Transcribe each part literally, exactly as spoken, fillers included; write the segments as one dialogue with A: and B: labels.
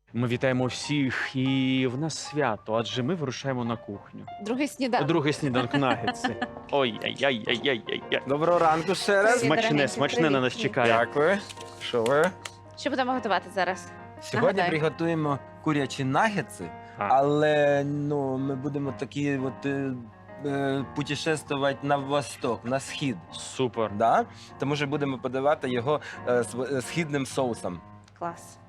A: Ми вітаємо всіх, і в нас свято, адже ми вирушаємо на кухню.
B: Другий
A: У
B: сніданок.
A: другий сніданок нагетси. Ой-яй-яй-яй-яй-яй.
C: Доброго ранку ще раз.
B: Привіт.
A: Смачне,
B: дорогенькі,
A: смачне на
B: привіт.
A: нас чекає.
C: Дякую. Що ви?
B: Що будемо готувати зараз?
C: Сьогодні
B: Нагадай.
C: приготуємо курячі нагетси,
A: А.
C: але ну, ми будемо такі от, е, е, путешествувати на восток, на схід.
A: Супер.
C: Да? Тому що будемо подавати його е, з е, східним соусом.
B: Клас.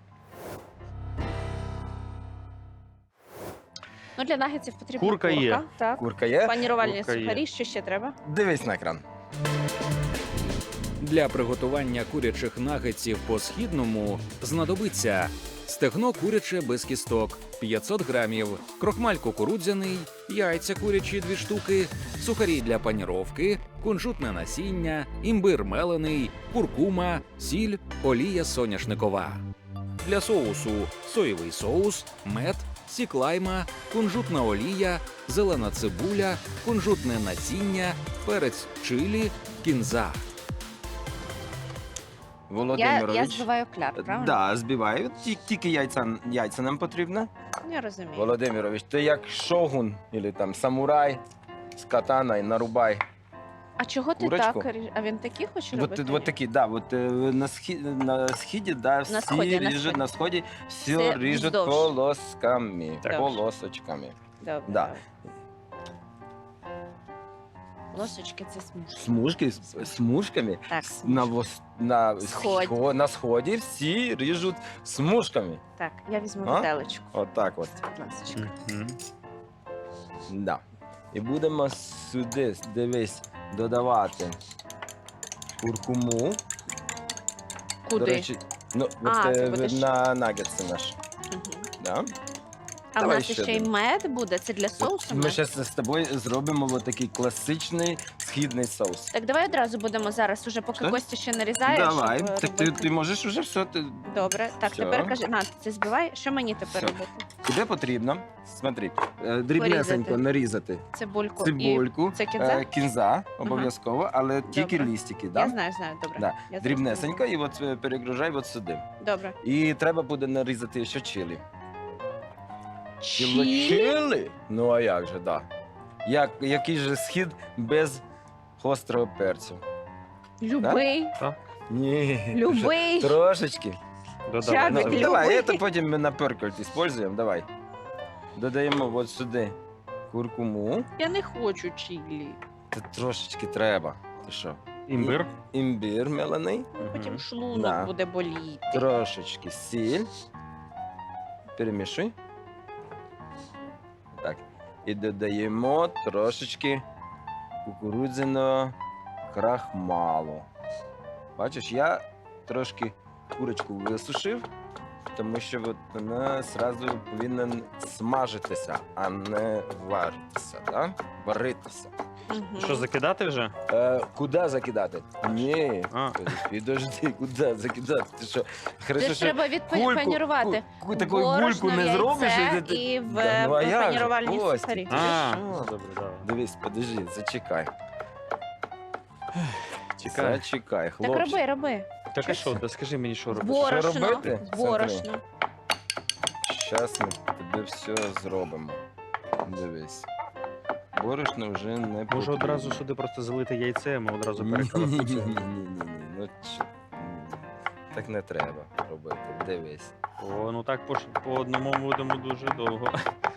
B: Ну, для нагетсів потрібна
A: Курка
B: курка.
A: є.
B: Так.
C: Курка є.
B: Панірувальні
A: Курка є.
B: сухарі, що ще треба?
C: Дивись на екран.
D: Для приготування курячих нагетсів по-східному знадобиться стегно куряче без кісток п'ятсот грамів, крохмаль кукурудзяний, яйця курячі дві штуки, сухарі для паніровки, кунжутне насіння, імбир мелений, куркума, сіль, олія соняшникова. Для соусу соєвий соус, мед, сік лайма, кунжутна олія, зелена цибуля, кунжутне насіння, перець чилі, кінза.
B: Я,
C: Володимирович.
B: я збиваю кляр, правильно?
C: Да, збиваю. Ті- Тільки яйця, яйця нам потрібно.
B: Я розумію.
C: Володимирович, ти як шогун, або там самурай з катаною нарубай.
B: А чого ти
C: Курочку?
B: так? ріж- А він такі хоче
C: Вот,
B: робити?
C: вот такі, да, вот е, на схід, на східі, да, всі
B: сході, на
C: ріжуть,
B: сході.
C: на сході все
B: Все
C: ріжуть
B: вздовж.
C: полосками,
A: Так.
C: полосочками.
B: Добре.
C: Да.
B: добре. Лосочки це смужки.
C: Смужки, з смужками,
B: Так,
C: с- на,
B: смужки.
C: вос, на,
B: Сході.
C: схо- на сході всі ріжуть смужками.
B: Так, я візьму
C: А?
B: виделечку.
C: От так от.
B: Будь ласочка.
A: Мгм.
C: Да. І будемо сюди, дивись, додавати куркуму.
B: Куди?
C: До речі, ну,
B: А,
C: от,
B: ти
C: е,
B: будеш-
C: на нагетси наш.
B: Мгм.
C: Да?
B: А в
C: Давай
B: нас
C: ще
B: ще й
C: один.
B: мед буде. Це для соусу?
C: Ми
B: мед?
C: зараз з тобою зробимо от такий класичний східний соус.
B: Так давай одразу будемо зараз, уже поки
C: Що?
B: Костя ще нарізає.
C: Давай,
B: щоб, е,
C: так ти,
B: робити.
C: ти можеш уже все. Ти...
B: Добре. Так,
C: Всьо.
B: тепер кажи, на, ти це збивай. Що мені тепер
C: Всьо.
B: робити?
C: Куди потрібно? Смотри, е, дрібнесенько
B: Порізати.
C: нарізати
B: Цибульку.
C: цибульку,
B: І... Це кінза?
C: е, кінза обов'язково, але тільки
B: Добре.
C: лістики.
B: Я
C: Да?
B: знаю, знаю, добре.
C: Да.
B: Я
C: Дрібнесенько і от е, перегружай от сюди.
B: зрозуміла. Добре.
C: І треба буде нарізати ще чилі.
B: Чилі?
C: Чилі? Ну а як же, да. Як, який же схід без гострого перцю?
B: Любий.
C: Ні.
B: Любий.
C: Трошечки.
A: Додавай.
B: Чабик,
A: Давай.
B: любий.
C: Давай, це потім ми на перкольт используємо. Давай. Додаємо от сюди куркуму.
B: Я не хочу чилі.
C: Це трошечки треба. Ти що?
A: Імбир.
C: Імбір мелений.
B: Потім
A: Мгм.
B: шлунок
C: Да.
B: буде боліти.
C: Трошечки сіль. Перемішуй. Так. І додаємо трошечки кукурудзяного крахмалу. Бачиш, я трошки курочку висушив, тому що от вона одразу повинна смажитися, а не варитися. Да? Варитися.
B: Мгм.
A: Що, закидати вже?
C: Е, куди закидати? Ні.
A: А.
C: Підожди, куди закидати? Ти що?
B: Це
C: Хорошо,
B: ж
C: що
B: треба відпанірувати.
C: ку- ку- таку гульку не зробиш.
B: яйце
C: і ти-
B: і в
C: Да, ну, а
B: в
C: як же?
B: панірувальні
C: Костя,
B: сухарі.
C: ти
A: А,
C: що?
A: добре, давай.
C: Дивись, подожди, зачекай.
A: Чекай.
C: Зачекай,
B: Так
C: хлопчик.
B: роби, роби.
A: Так а що, да скажи мені, що робити?
B: Борошно.
C: робити?
B: Борошно.
C: Зараз ми тобі все зробимо. Дивись. Борошно вже не
A: Може
C: потрібно.
A: одразу сюди просто залити яйце, а ми одразу
C: Ні, ні, ні,
A: перекалапуцюємо.
C: ні, ні, ні. Ну, чи- ні. Так не треба робити. Дивись.
A: О, ну так по, ш- по одному будемо дуже довго.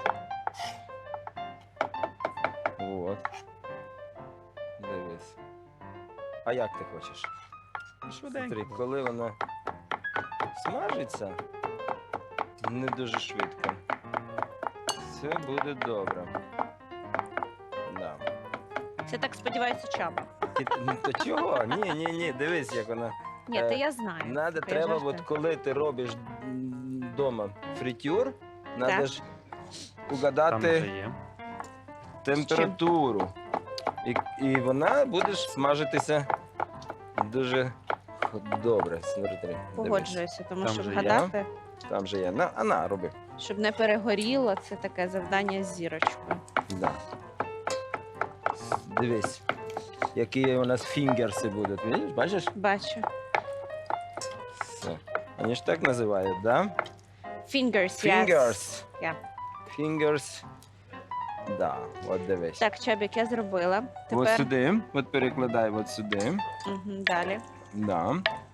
C: От. Дивись. А як ти хочеш? Смотри,
A: Швиденько.
C: коли вона смажиться, не дуже швидко. Все буде добре. Да.
B: Це так сподівається чаба.
C: І, ну, то чого? Ні, ні, ні, дивись, як вона.
B: Ні,
C: Е,
B: то я знаю.
C: Надо,
B: Я
C: треба,
B: жартую.
C: от коли ти робиш вдома фритюр, треба
B: Так.
C: ж
A: Там
C: угадати
A: вже є.
C: температуру. І, і вона буде ж смажитися дуже х- добре. Смотри, дивись.
B: Погоджуюся, тому
A: Там
B: що
A: же є.
B: вгадати,
C: Там же є. На, а на, роби.
B: щоб не перегоріло, це таке завдання з зірочкою.
C: Да. С- Дивись, які у нас фінгерси будуть. Видиш, бачиш?
B: Бачу.
C: Все. Вони ж так називають, да?
B: Fingers, yes.
C: Fingers.
B: Yeah.
C: Fingers. Да, от дивись.
B: Так, Чабік, я зробила.
C: От
B: Тепер
C: сюди, от перекладай от сюди.
B: Мгм, далі.
C: Да.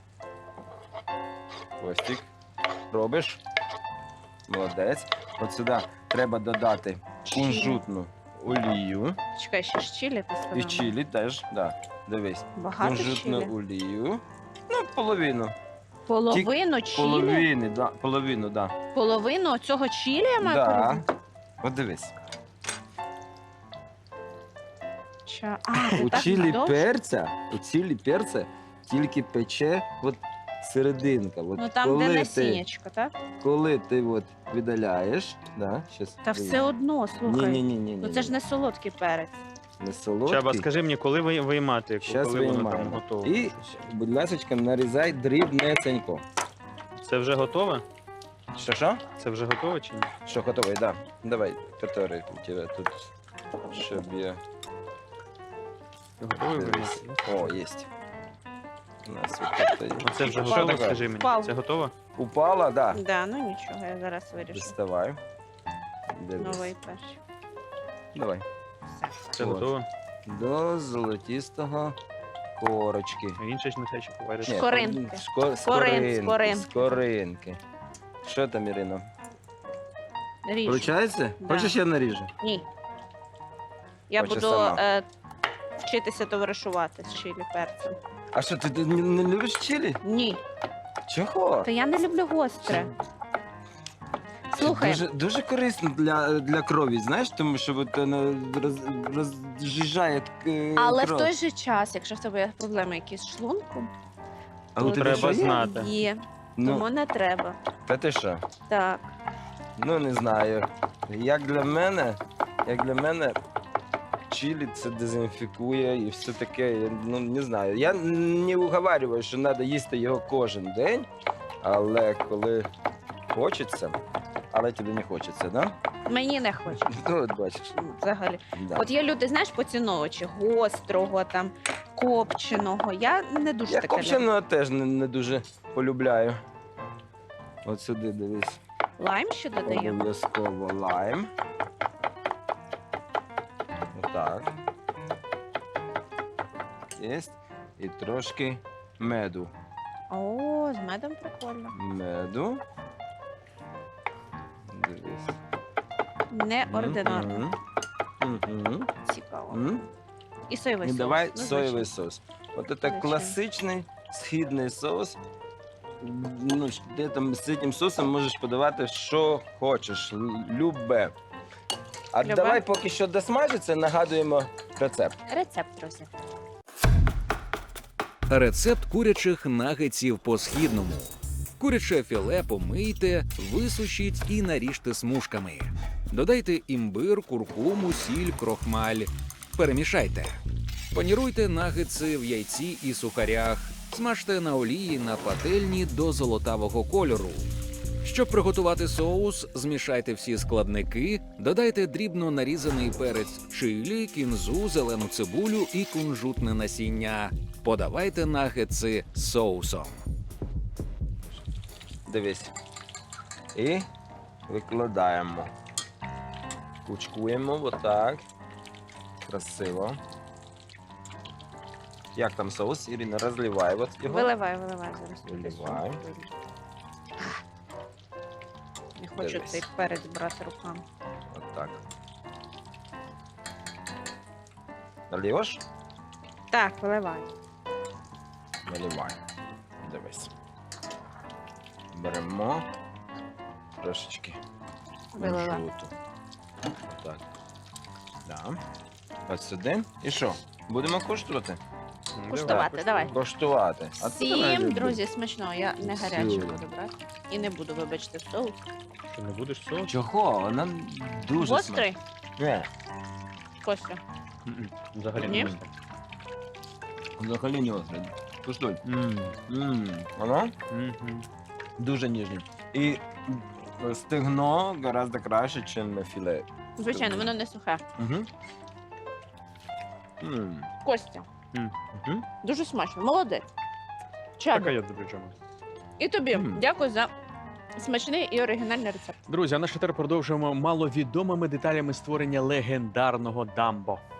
C: Костік. Робиш. Молодець. От сюди треба додати кунжутну олію.
B: Чекай, ще ж чилі ти сказала?
C: І чилі теж, да. Дивись.
B: Багато
C: Кунжутну
B: чилі?
C: олію. Ну, половину.
B: Половину чилі?
C: Половину, да. Половину, да.
B: Половину цього чилі я маю
C: Да.
B: порізати?
C: От дивись.
B: Ча- А, ти
C: У
B: так
C: чилі
B: довше?
C: перця, у чилі перця тільки пече от серединка. От
B: Ну там,
C: коли
B: де
C: ти,
B: насіннячко, так?
C: коли ти от видаляєш, да, щас
B: Та все одно, слухай.
C: Ні, ні, ні, ні.
B: Ну це ж не солодкий перець.
C: не солодкий.
A: Чаба, скажи мені, коли ви виймати,
C: Щас
A: коли воно там
C: виймаємо.
A: готове?
C: І, будь ласка, нарізай дрібнесенько.
A: Це вже готове?
C: Що, що?
A: Це вже готове чи ні?
C: Що готовий, да. Давай, который у тебе тут, щоб я...
A: Ти готовий
C: Дивись.
A: виймати?
C: О, єсть. У нас от тут є.
A: Оце вже
C: Що
A: готове,
C: таке?
A: скажи мені.
B: Впав.
A: Це готово?
C: Упала, да.
B: Да, ну нічого, я зараз вирішу.
C: Доставай. Дивись.
B: Новий перший.
C: Давай.
B: Все.
A: Це
C: От.
A: готово?
C: До золотистого корочки.
A: А він ще ж нехай ще повариш.
C: Ні,
B: Скоринки.
C: шко-
B: Скорин-
C: скоринки.
B: скоринки.
C: Скоринки. Що там, Ірино?
B: Ріж.
C: Получається?
B: Да.
C: Хочеш я наріжу?
B: Ні. Я
C: Хоче
B: буду
C: сама.
B: е, вчитися товаришувати з чилі перцем.
C: А що, ти, ти не, не любиш чилі?
B: Ні.
C: Чого?
B: Та я не люблю гостре. Слухай,
C: Дуже, дуже корисно для, для крові, знаєш, тому що от, воно роз, розжижає е,
B: але в
C: кров.
B: той же час, якщо в тебе є проблеми якісь з шлунком,
C: А у тебе
A: треба
C: що є?
A: знати.
B: є.
C: Ну,
B: Тому не треба.
C: та ти що?
B: Так.
C: Ну, не знаю. Як для мене, як для мене, чилі це дезінфікує і все таке. Я, ну, не знаю. Я не уговарюю, що треба їсти його кожен день, але коли хочеться, але тобі не хочеться, да?
B: Мені не хочеться.
C: Ну, от бачиш.
B: Взагалі.
C: Да.
B: От є люди, знаєш, поціновувачі гострого, там, копченого. Я не дуже
C: Я
B: таке люблю.
C: копченого теж не, не дуже полюбляю. От сюди дивись.
B: Лайм ще додаємо.
C: Обов'язково лайм. Отак. Єсть. І трошки меду.
B: О, з медом прикольно.
C: Меду. Дивись.
B: Неординарно.
C: Мгм. Мгм.
B: Цікаво.
C: Мгм.
B: І соєвий
C: І
B: соус.
C: давай
B: Ну,
C: соєвий
B: звичайно.
C: соус. От це
B: Звичайно.
C: класичний східний соус. Ну, ж ти там з цим соусом можеш подавати, що хочеш, л- любе. А
B: Любе?
C: давай поки що досмажиться, нагадуємо рецепт.
B: Рецепт, друзі.
D: Рецепт курячих нагетсів по-східному. Куряче філе помийте, висушіть і наріжте смужками. Додайте імбир, куркуму, сіль, крохмаль. Перемішайте. Паніруйте нагетси в яйці і сухарях. Смажте на олії на пательні до золотавого кольору. Щоб приготувати соус, змішайте всі складники, додайте дрібно нарізаний перець чилі, кінзу, зелену цибулю і кунжутне насіння. Подавайте нагетси з соусом.
C: Дивись. І викладаємо. Кучкуємо отак. Красиво. Як там соус? Ірина, розливай от його.
B: Виливай, виливай зараз. туди
C: Виливай.
B: сюди. Не хочу
C: Дивись.
B: цей перець брати руками.
C: Отак. Нальєш?
B: Так, виливай.
C: Наливай. Дивись. Беремо трошечки
B: Вилила.
C: кунжуту. Так. Да. Ось сюди. І що? Будемо коштувати?
A: Ну,
B: Куштувати, давай.
C: Коштувати. А ти давай,
B: Всім,
C: Люблю.
B: друзі, смачно. Я не гаряче
C: Всім.
B: буду брати. І не буду, вибачте, соус.
A: Ти не будеш соус?
C: Чого? Вона дуже
B: Гострий?
C: смачна.
B: Костя.
A: М-м, Взагалі
B: Ні?
A: не гостро.
C: Ні, взагалі не острий. Куштуй.
A: М,
C: Ммм, воно
A: мгм.
C: дуже ніжне. І стегно гораздо краще, ніж філе.
B: Звичайно, воно не сухе.
C: Угу. Ммм.
B: Костя.
C: Угу.
B: Дуже смачно. Молодець.
A: Так, а
B: Чабі.
A: я добре чому.
B: І тобі.
C: Мгм.
B: Дякую за Смачний і оригінальний рецепт.
A: Друзі, а наш тепер продовжуємо маловідомими деталями створення легендарного дамбо.